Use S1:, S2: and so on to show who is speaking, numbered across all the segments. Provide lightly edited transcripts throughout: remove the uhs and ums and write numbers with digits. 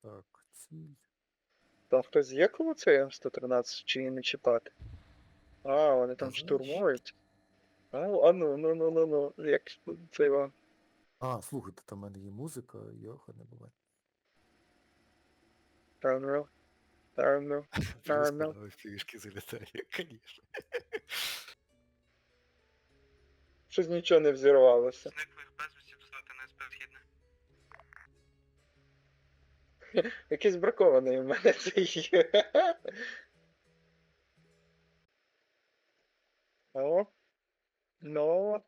S1: Так, ціль.
S2: Там хтось є коло цей М113, чи її не чіпати? А, вони там
S1: Та
S2: штурмують. А ну, як це вам?
S1: А, слухайте, там в мене є музика, йоха не буває.
S2: Термінал. Термінал. Термінал.
S1: Просто фішки залітає, звісно.
S2: Щось нічого не взірвалося.
S3: Зниклих безвісті доставити на СП Східне.
S2: Якийсь бракований у мене цей є. Алло? Ну?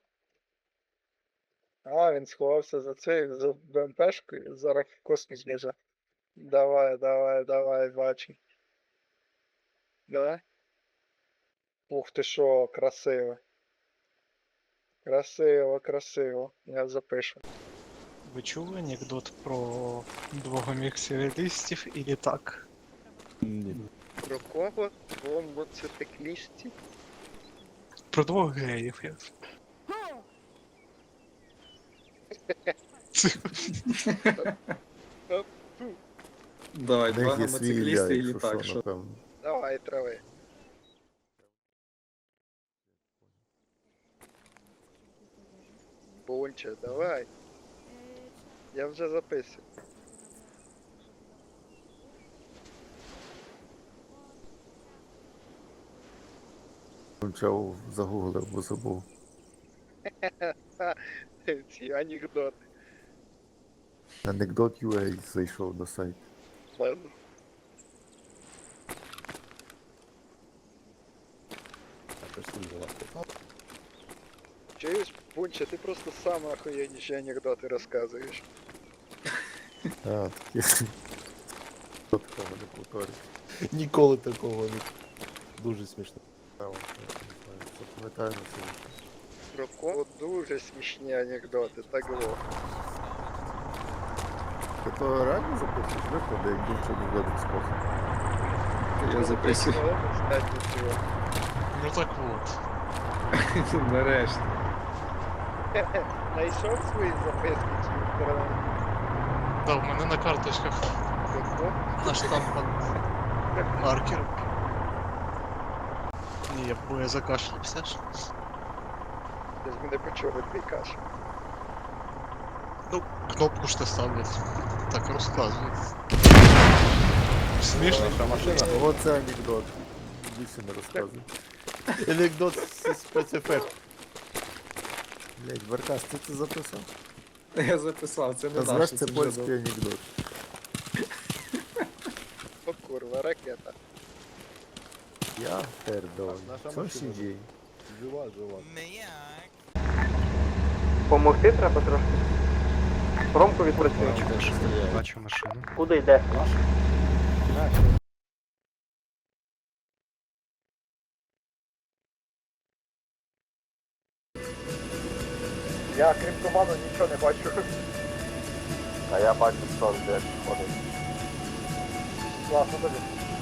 S2: А, він сховався за цей, за БМПшкою, зараз в космос біже. Давай, бачу. Давай. Ух ти шо, красиво. Красиво. Я запишу.
S4: Ви чули анекдот про двогоміксерилістів і літак?
S1: Ні.
S2: Про кого? Бомбоциклістів?
S4: Про двох геїв. Я...
S5: Давай, два
S1: В них є свій
S5: мотоциклісти і
S1: ідеал, якщо
S5: літак.
S1: що,
S5: Що?
S1: напевно.
S2: Давай, трави. Бонче, давай. Я вже записую.
S1: Почав загуглив, бо забув.
S2: Ці анекдоти.
S1: Anecdote.ua зайшов на сайт.
S2: Ладно. Чуєш, Бунче, ти просто сам охуєнніші анекдоти розказуєш.
S1: А, такі. Хто такого не повторює? Ніколи такого не. Дуже смішно. Запам'ятаю на це.
S2: Про кого дуже смішні анекдоти, так було.
S1: Ти то реально записуєш виходи, як більше анекдот розказує?
S5: Я записую.
S4: Ну так от.
S5: Нарешті.
S2: Найшов свої записки чи інтернет?
S4: Да, в мене на карточках на штампах маркер. Ні, бо я закашлявся ж.
S2: Ти ж мене почули, твій каш.
S4: Ну, кнопку ж не ставлять. Так розказують. Смішно.
S1: Оце анекдот. Більше не розказуй. Анекдот спецефект. Блять, Баркас, ти це записав?
S5: Я записав, це не
S1: Назвеш
S5: наше,
S1: це
S5: вже
S1: польський
S5: добре.
S1: анекдот.
S2: О курва, ракета.
S1: Я пердон. Що сидій?
S2: Помогти треба трошки. Промку відпрацює.
S4: Бачу машину.
S2: Куди йде? Я крім туману нічого не бачу. А я бачу, що де ходить. Класно тобі.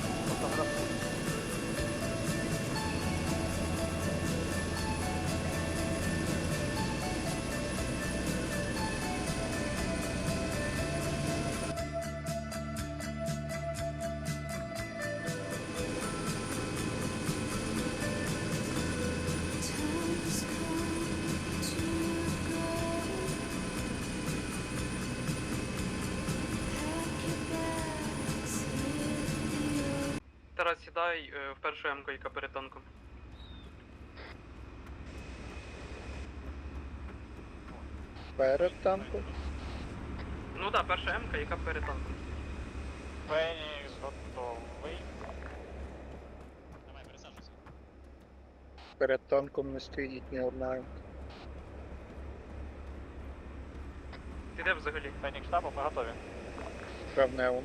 S3: Тарас, сідай в першу М-ку, яка перед танком.
S2: Перед танком.
S3: Ну так, перша М-ка, яка перед танком.
S6: Фенікс готовий. Давай, пересаджуйся.
S2: Перед танком не стоїть ні одна.
S3: Ти де взагалі?
S6: Фенікс штабу, ми готові.
S2: Травневому.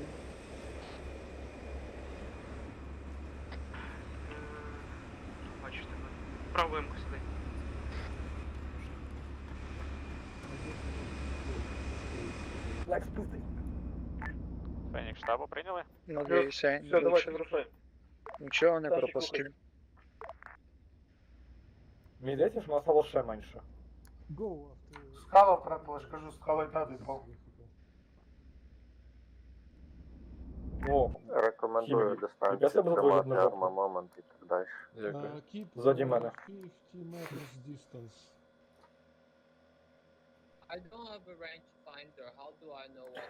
S3: Бачу тебе. Праву М-ку сідай.
S6: Фенікс штабу прийняли.
S2: Надіюся, нічого не пропустив.
S7: Мені здається, що нас стало ще менше.
S8: Скала втратила, ж кажу, скала й та дипав.
S7: О,
S2: Рекомендую
S7: Хімік.
S2: дистанцію
S7: Я себе
S2: тримати,
S7: виглядно жовтий.
S2: армамент і так далі.
S1: Дякую.
S8: Keep
S7: Ззаді мене.
S8: 50 meters distance.
S9: I don't have a rangefinder. How do I know what?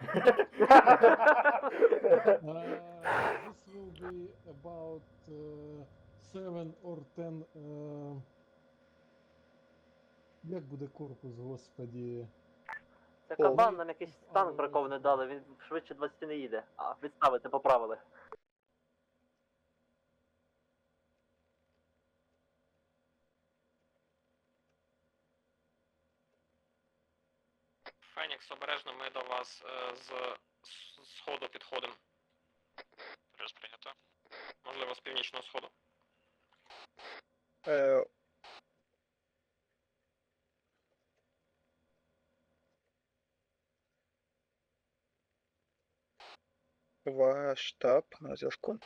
S8: This will be about 7 or 10. Як буде корпус, господі?
S10: Це кабан, нам якийсь танк бракований дали, він швидше 20 не їде. А, відставити, поправили.
S3: Фенікс, обережно, ми до вас з сходу підходимо.
S6: Плюс прийнято.
S3: Можливо, з північного сходу.
S2: Увага, штаб на зв'язку.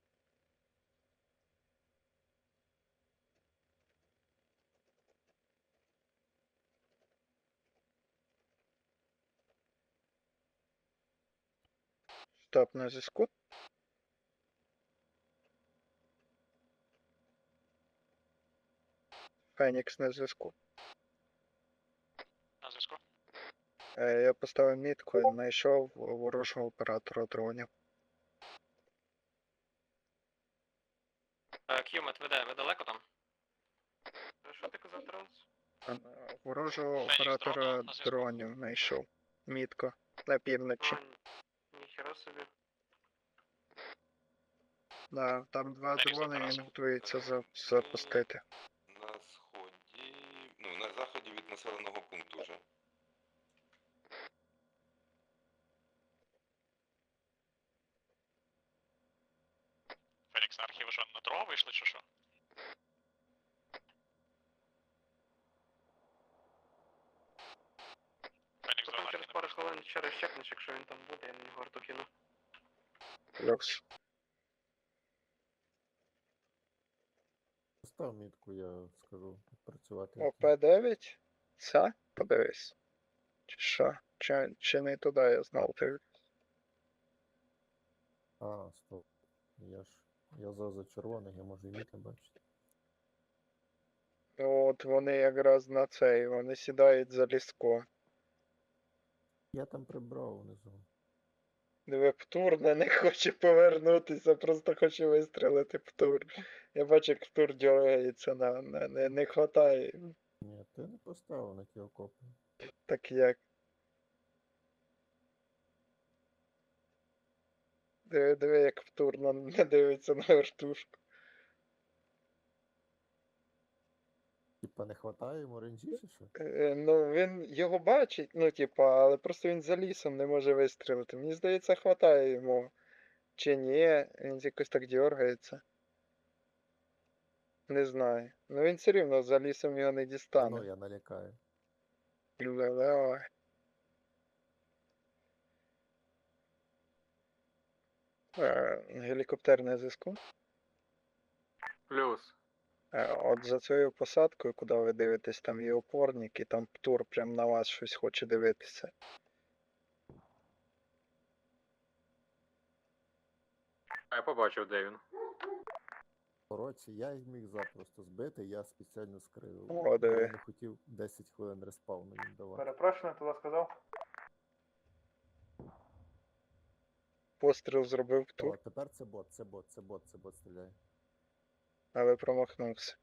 S2: Штаб на зв'язку. Фенікс на зв'язку.
S6: На зв'язку.
S2: Я поставив мітку і знайшов ворожого оператора дронів.
S3: К'юмет веде, ви далеко там? Що ти казав, Транс?
S2: Ворожого
S6: Фенікс
S2: оператора
S6: дрона на зв'язку.
S2: дронів знайшов. Мітко. На півночі.
S3: Ніхера собі.
S2: Да, там два
S6: Фенікс
S2: дрони,
S6: оператор.
S2: він готується запустити.
S11: На сході, ну, на заході від населеного пункту вже.
S6: Фенікс на архіви що, на дорогу вийшли чи що? Фенікс
S3: Потім
S6: дрона
S3: через пару хвилин ще раз чекнеш, якщо він там буде, я на нього арту кину.
S2: Плюс.
S1: Постав мітку, я скажу, працювати.
S2: ОП-9? Це? Подивись. Чи що? Чи не туди я знав ти?
S1: А, стоп. Я за червоних, я можу і мітки бачити.
S2: От вони якраз на цей, вони сідають за ліско.
S1: Я там прибрав внизу.
S2: Диви, Птур не хоче повернутися, просто хоче вистрелити Птур. Я бачу, як Птур дергається, не хватає.
S1: Ні, ти не поставив на ті окопи.
S2: Так як. Диви, як Птур не дивиться на вертушку.
S1: Типа не хватає йому ренджі чи що?
S2: Ну, він його бачить, ну, типа, але просто він за лісом не може вистрілити. Мені здається, хватає йому. Чи ні, він якось так дергається. Не знаю. Ну він все рівно за лісом його не
S1: Ну,
S2: дістане.
S1: я налякаю.
S2: Давай. Гелікоптер на зв'язку.
S3: Плюс.
S2: От за цією посадкою, куди ви дивитесь, там є опорник, і там Птур прям на вас щось хоче дивитися.
S3: А я побачив, де він.
S1: Коротше, я їх міг запросто збити, я спеціально скрив.
S2: О, диви.
S1: Я не хотів 10 хвилин респауну їм давати.
S7: Перепрошую, не туди сказав.
S2: Постріл зробив Птур,
S1: О, тепер це бот стріляє.
S2: але промахнувся.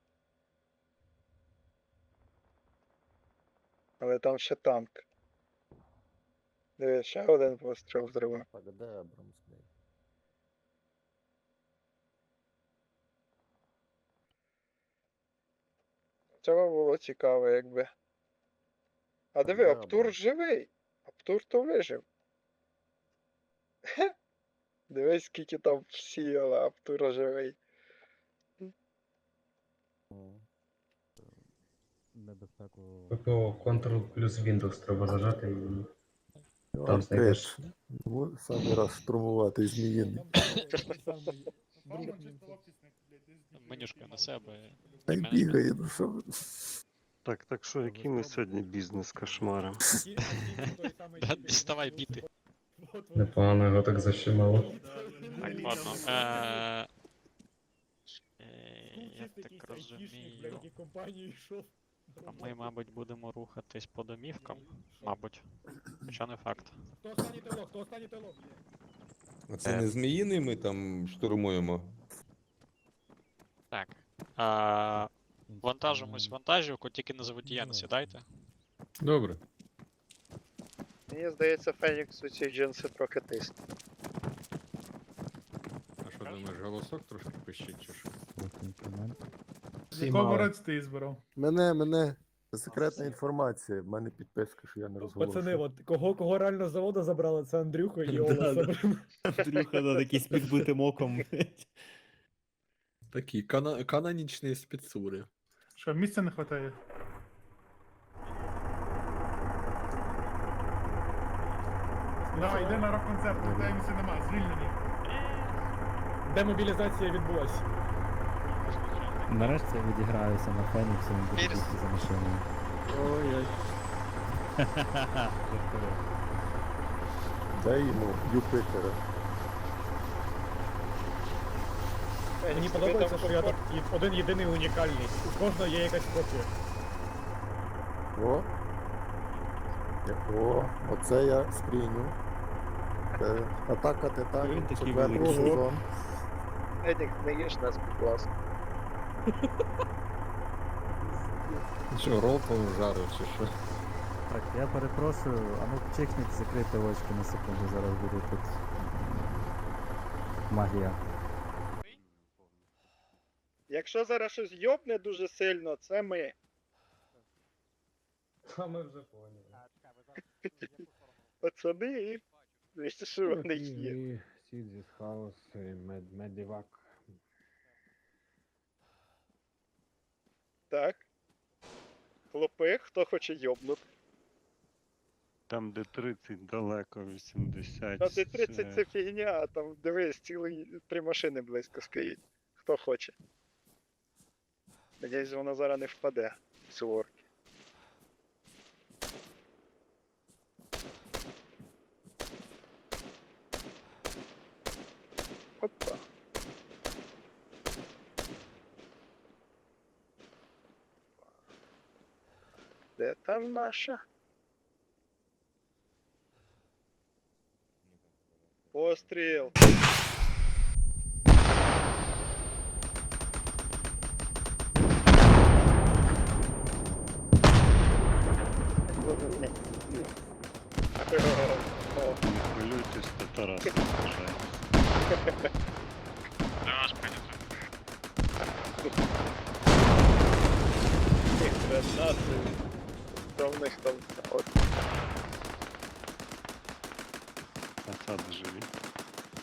S2: Але там ще танк. Диви, ще один постріл зробив.
S1: Так, а де Абрамс, блядь?
S2: Цього було цікаво, якби. А диви,
S1: Да,
S2: Аптур
S1: да.
S2: живий. Аптур то вижив. Хе. Дивись, скільки там всіяло, Аптур живий.
S8: Небезпеку.
S12: Ctrl плюс Windows треба зажати і
S1: Там
S12: знайдеш.
S1: Самий раз штурмувати зміїний.
S6: Менюшка на себе.
S1: Та й бігає, ну що ви.
S12: Так що, який ми сьогодні бізнес кошмаром?
S6: Діставай біти.
S12: Непогано його так защемало.
S6: Так, ладно. Я так розумію. А ми, мабуть, будемо рухатись по домівкам. Мабуть. Хоча не факт.
S11: А це не зміїний ми там штурмуємо?
S6: Так. Вантажимось вантажівку, тільки на заводія не сідайте.
S12: Добре.
S2: Мені здається, Фенікс у цій джинси трохи тисне.
S12: А що думаєш, голосок трошки пищить чи що?
S8: ти збирав?
S1: Мене. Це секретна інформація. В мене підписка, що я не розголошую.
S8: от кого реально з заводу забрали, це Андрюха і Ола.
S7: Андрюха, да, такий з підбитим оком.
S5: Такі канонічні спецури.
S8: Що, місця не вистачає? Давай, йди на рок-концерт, де місця немає, звільнені. Демобілізація відбулась.
S7: Нарешті я відіграюся на Феніксі, він буде
S3: Вірс.
S7: бігти за машиною.
S5: Ой-ой.
S1: Дай йому Юпитера.
S8: Мені подобається, що я тут один єдиний унікальний. У кожного є якась копія.
S1: Оце я сприйняв. Це атака
S7: Він
S1: титанів,
S7: такий
S1: четвертий
S7: великий.
S1: сезон.
S2: Едік, не їж нас, будь ласка.
S5: Що, ролтом жарив чи що?
S7: Так, я перепрошую, а ну чекніть, закрити очки на секунду, зараз буде тут магія.
S2: Якщо зараз щось йобне дуже сильно, це ми.
S8: А ми вже поняли.
S2: Пацани і... Віщо, що вони є.
S12: Сідзіс, хаос, медівак.
S2: Так. Хлопи, хто хоче йобнути?
S12: Там де 30 далеко, 80.
S2: На Т-30 це фігня, а там, дивись, цілі 3 машини близько стоїть. Хто хоче. Надіюсь, вона зараз не впаде в цю орки. Опа. Де там наша? Постріл.
S12: Не хвилюйтесь, то Тарас вважає.
S6: Для вас прийнято.
S2: Гранати. Що в них там? От.
S12: Фасади живі.